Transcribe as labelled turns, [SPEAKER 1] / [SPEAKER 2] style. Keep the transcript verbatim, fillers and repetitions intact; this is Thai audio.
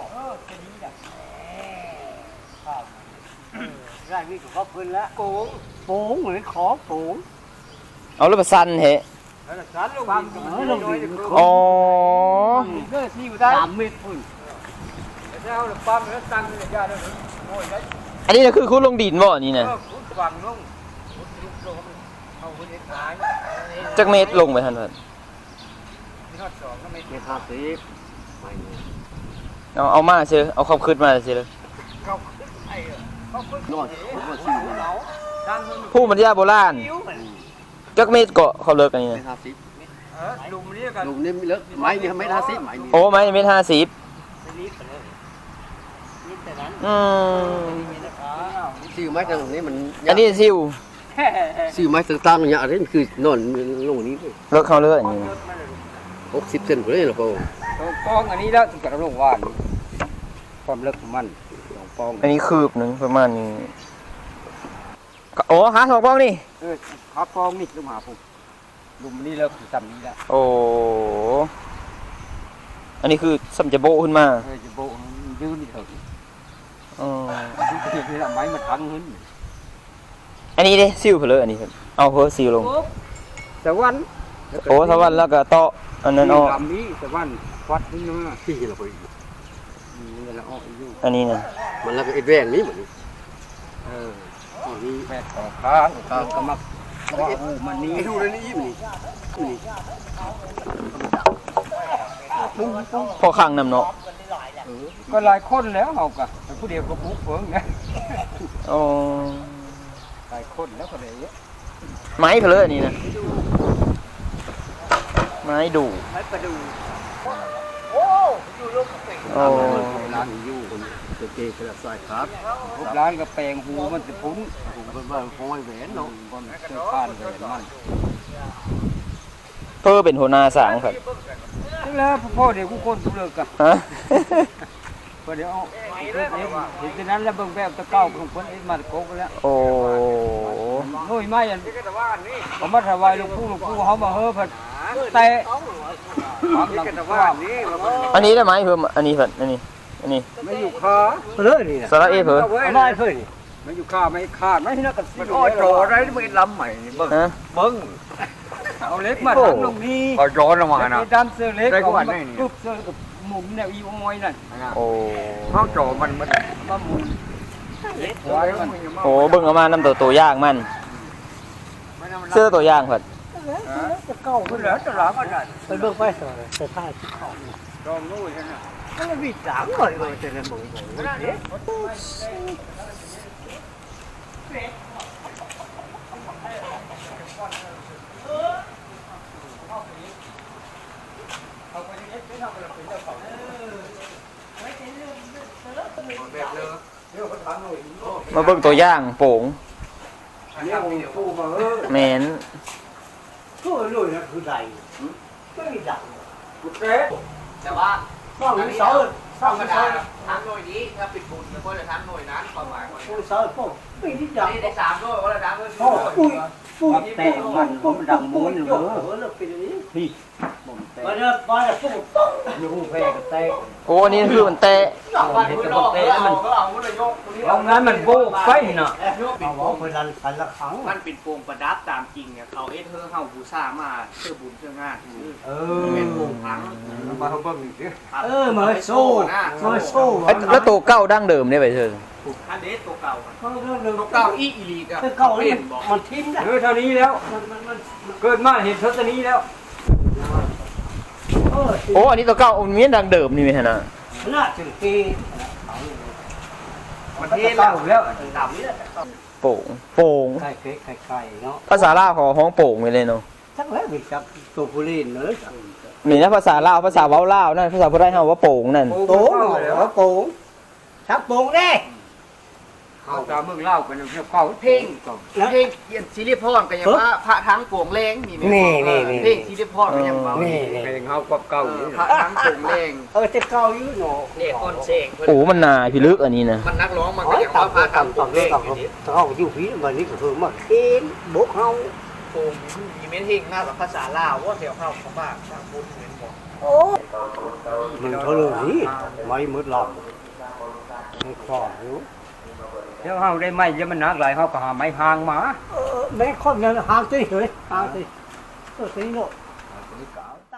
[SPEAKER 1] เออจะดีจ้ะครับได้มีของเขาพื้นแล้วโป่งโป่งเหมือนขอโป่ง
[SPEAKER 2] เอาแล้วมาสั่นเหะ
[SPEAKER 1] แล้วสารลงดินก็มันลงดิน
[SPEAKER 2] อ๋อ
[SPEAKER 1] ก็ที่อยู่ได้สามเมตรพุ่นแล้วเราปั๊มแล้วตั้งเลยยาแล้วโอ้ยได้
[SPEAKER 2] อันนี้นะคือคุณลงดินบ่นี่นะ
[SPEAKER 1] ก็ขุดฝังลงขุดลุกลงเอาคนเอ็ดหาย
[SPEAKER 2] จักเมตรลงไปทันทัน
[SPEAKER 1] มีทอดสองก็ไม่เจ็ดห้าสิบไม่
[SPEAKER 2] เอาเอามาเชื่อเอาความคืดมาเชื่อเลย
[SPEAKER 1] เขาไอ้เขาขึ้นนอนผมว่าชื่อเราดังมัน
[SPEAKER 2] ผู้บรรยายโบราณจักเมตรเกาะเขาเลิกกันนี่นะ
[SPEAKER 3] ห้าสิบ
[SPEAKER 1] เออลุมนี่กัน
[SPEAKER 3] ลุงนี่เลิกไม้นี่ไม่ห้าสิบไม้นี่
[SPEAKER 2] โอ้ไม่เมตรห้าสิบ
[SPEAKER 1] นี่ไปเลยนี่แต่นั้น
[SPEAKER 2] อืม
[SPEAKER 3] ชื่อไม้ตรงนี้มัน
[SPEAKER 2] อันนี้ซิว
[SPEAKER 3] ชื่อไม้ต่างๆอย่างนี้คือนอนลงนี้
[SPEAKER 2] เลิกเขาเลิกอย่างนี้นะ
[SPEAKER 3] หกสิบเซนไปเลยหรอเปล่า
[SPEAKER 1] ปองอันนี้แล้วถึงกับลงว่านความเลิกของมันสองปอง
[SPEAKER 2] อันนี้คืบหนึ่งประมาณนี้โอ้หาสองปองนี่
[SPEAKER 1] เออขาปองนี่ลุมหาผมลุมนี่แล้วคือจำนี้แล้ว
[SPEAKER 2] โอ้อันนี้คือสัมจะโบขึ้นมา
[SPEAKER 1] เออจะโบยืนนี่เถอะ
[SPEAKER 2] อ๋อ
[SPEAKER 1] ดูเพียงที่ละไม้มาทั้งหึ้น
[SPEAKER 2] อันนี้เด้ซิวเพลออันนี้ครับเอาเพอซิวลง
[SPEAKER 1] สวรรค์
[SPEAKER 2] โอ้สวรรค์แล้วก็โตะอันนั้นออก
[SPEAKER 1] ลำนี้สวรรค์วัดนี่นะ
[SPEAKER 3] ที่เราไป
[SPEAKER 1] นี่ละออกอยู่
[SPEAKER 2] อันนี้นะ
[SPEAKER 3] มันแล้วก็ไอ้แวงนี้เหมือน
[SPEAKER 1] เออนี่แปดต่อข้างข้างก็มักว่าอูมันนี่
[SPEAKER 3] ไอ้ดูเลยนี่ยิ้มนี่นี่
[SPEAKER 1] ปุ้งปุ้ง
[SPEAKER 2] พอข้างนำเนาะ
[SPEAKER 1] ก็หลายคนแล้วเฮากะแต่ผู้เดียวก็ปุ๊บเฟิงนะ
[SPEAKER 2] อ๋อ
[SPEAKER 1] หลายคนแล้วก็ได้เยอะ
[SPEAKER 2] ไม้เพลออันนี้นะไม้ดู
[SPEAKER 1] ไม้ประดูโอ้อยู่ลูกกระเป็ง
[SPEAKER 2] โอ้
[SPEAKER 3] ร้านอยู่คนตัวเกย์กระสายครับ
[SPEAKER 1] ร้านกระแปงหูมันจะปุ้น
[SPEAKER 3] ผมเป็นว่าของไอ้แหวนเนาะ
[SPEAKER 1] บนเสื้อผ้าแหวนมัน
[SPEAKER 2] เพื่อเป็นหัวหน้าสางครับ
[SPEAKER 1] นี่แหละพ่อเดี๋ยวกูคนกูเลิกกัน
[SPEAKER 2] ฮะ
[SPEAKER 1] พอเดี๋ยวเอาเห็นจากนั้นแล้วเบิ่งแบบตะเก้าของคนเอ็ดมาโกกแล้ว
[SPEAKER 2] โอ้
[SPEAKER 1] โอ้ยไม่ยันผมมาถวายหลวงปู่หลวงปู่เขามาเฮ้อผัดเตะความหลังว่า
[SPEAKER 2] อันนี้ได้ไหมเพิ่มอันนี้เพิ่นอันนี้อันนี้
[SPEAKER 1] ไม่อยู่คาเลยนี่นะ
[SPEAKER 2] สาระเอเพิ่น
[SPEAKER 1] ไม่เพิ่นไม่อยู่คาไม่ขาดไม่นักกันมันอ้อโจอะไรไม่ลำใหม่เบิ่ง
[SPEAKER 2] ฮะ
[SPEAKER 1] เบิ่งเอาเล็กมาทำลงนี่
[SPEAKER 4] ก็ย้อนออกมานะ
[SPEAKER 1] ดำเสื้อเล็ก
[SPEAKER 4] ได้กว่านี่
[SPEAKER 1] ปุ๊บเสื้อกับหมุนแนวอีโอยนั่น
[SPEAKER 2] โอ้
[SPEAKER 4] ข้าวโจมันมัน
[SPEAKER 1] มาหมุนไว้มัน
[SPEAKER 2] โหเบิ่งเอามานํตัวตัวอย่างมันเสื้อตัวอย่างเพิ่น
[SPEAKER 1] จะเก้าขึ้นแล้วจะหลังกัน
[SPEAKER 3] ไปเบิ่งไปสอนแต่ผ้าที่เขา
[SPEAKER 1] รองนู้นใช่ไหม
[SPEAKER 3] ก็เลยวิจารณ์เลยเลยแต่ละหมู่
[SPEAKER 2] มาเบิ่งตัวอย่างโป่ง
[SPEAKER 1] เนี่ยผมปูมาเออ
[SPEAKER 2] แม่น
[SPEAKER 3] ก็เลยนะคือใดก็มีดัง
[SPEAKER 1] กูเตะ
[SPEAKER 5] แต่ว่า
[SPEAKER 3] ข้าวมีเสา
[SPEAKER 5] ธรรมดาทั้งหน่วยนี้ถ้าปิดบุญแล้วก็จะทั้งหน่วยนั้นความหมายของ
[SPEAKER 3] ข้าวเสาพวกไม่ได้ดัง
[SPEAKER 5] นี่ได้สามด้วยก็จะทั้งด้วย
[SPEAKER 3] พ่อปุ้ยปุ้ย
[SPEAKER 1] แต่มันมันดังม้วนอยู่
[SPEAKER 3] เอ
[SPEAKER 1] เอ
[SPEAKER 3] อ
[SPEAKER 1] อ
[SPEAKER 3] แล้วเป็นอย่างนี้
[SPEAKER 1] นี่ผมเตะ
[SPEAKER 3] มาเด้อมาเด้อปุ้ยต้อง
[SPEAKER 1] อยู่แพ้กับเตะ
[SPEAKER 2] โอ้อันนี้คือมันแตะ
[SPEAKER 5] บ้านมือนอกเขาเอาเขาเอามุนยก
[SPEAKER 1] เอางั้นมันโบกไฟน่ะ
[SPEAKER 3] เอาเอาไปรันพันละครั้ง
[SPEAKER 5] มันเป็นโปรงประดับตามจริงเนี่ยเขาเอ็ดเธอเฮาบูชามาเพื่อบุญเพื่องาน
[SPEAKER 1] เอ
[SPEAKER 5] เป็นโปรงพัง
[SPEAKER 1] มาเขาเบิ่งดิ
[SPEAKER 3] เออมาโซ่มาโซ่
[SPEAKER 2] เอ้ยแล้วตัวเก่าดั้งเดิมเนี่ยไปเถอะ
[SPEAKER 5] อันเดสตัวเก่า
[SPEAKER 3] เขาเรื่องเรื่อง
[SPEAKER 5] ตัวเก่าอีอีลีกับ
[SPEAKER 3] เก่าแล้ว
[SPEAKER 5] เป็นบอก
[SPEAKER 3] มันทิ้งได้
[SPEAKER 1] เออเท่านี้แล้ว
[SPEAKER 3] มันมันมัน
[SPEAKER 1] เกิดมาเห็นเท่านี้แล้ว
[SPEAKER 3] เออ
[SPEAKER 2] โอ้อันนี้ตัวเก่ามันมีดั้งเดิมนี่ไหมฮะนะ
[SPEAKER 3] น่าถึงปี
[SPEAKER 1] มันเทแล้วแล้ว
[SPEAKER 5] ดำนี่แหละ
[SPEAKER 2] โป่งโป่ง
[SPEAKER 3] ไข่เค้กไข่ไข่เนาะ
[SPEAKER 2] ภาษาลาวเขาห้องโป่งไปเลยเนาะ
[SPEAKER 3] chắc lẽ vì chắc tổ phụ liên nữa
[SPEAKER 2] นี่นะภาษาลาวภาษาเว้าลาวนั่นภาษาพุทธไทยเฮาว่าโป่งนั่น
[SPEAKER 3] tố nó tố sắp tố đi
[SPEAKER 1] เขาตามเมืองเล่ากันอยู่เขา
[SPEAKER 5] เพลงเพลงเขียนซีรีส์พรกันยังว่าพระทั้งโป่งแรงนี่
[SPEAKER 3] นี่นี่นี่
[SPEAKER 5] เพลงซีรีส์พรกันยังว่า
[SPEAKER 3] นี่
[SPEAKER 1] เพลงเขาก็เก่าอยู่
[SPEAKER 5] พระทั้งโป่งแรง
[SPEAKER 3] ờ thế cao chứ nó
[SPEAKER 5] เนี่ยคนเสก
[SPEAKER 2] โอ้มันนาพิลึกอันนี้นะ
[SPEAKER 5] มันนักร้องมันก็
[SPEAKER 3] nói
[SPEAKER 5] ยังว่า
[SPEAKER 3] tầm
[SPEAKER 5] พระ
[SPEAKER 3] tầm
[SPEAKER 5] ทั้ง
[SPEAKER 3] tầm
[SPEAKER 5] โป่ง
[SPEAKER 3] tầm
[SPEAKER 5] แรง
[SPEAKER 3] tầm
[SPEAKER 5] อยู่นี่
[SPEAKER 3] tao không chịu phí mà đi của thường mà thiên bố không
[SPEAKER 5] โป่งมีเม็ดเฮงมากกว่าภาษาลาวว่าแถวเข้าของบ้านทางบุญเหมือนบอก
[SPEAKER 3] ờ mình có lừa gì mấy mướt lòng mình khó hiểu
[SPEAKER 1] เดี๋ยวเฮาได้ไม้จะมันหนักหลายเฮาก็หาไม้หางมา
[SPEAKER 3] mấy con này hàng tí rồi hàng tí tôi thấy nó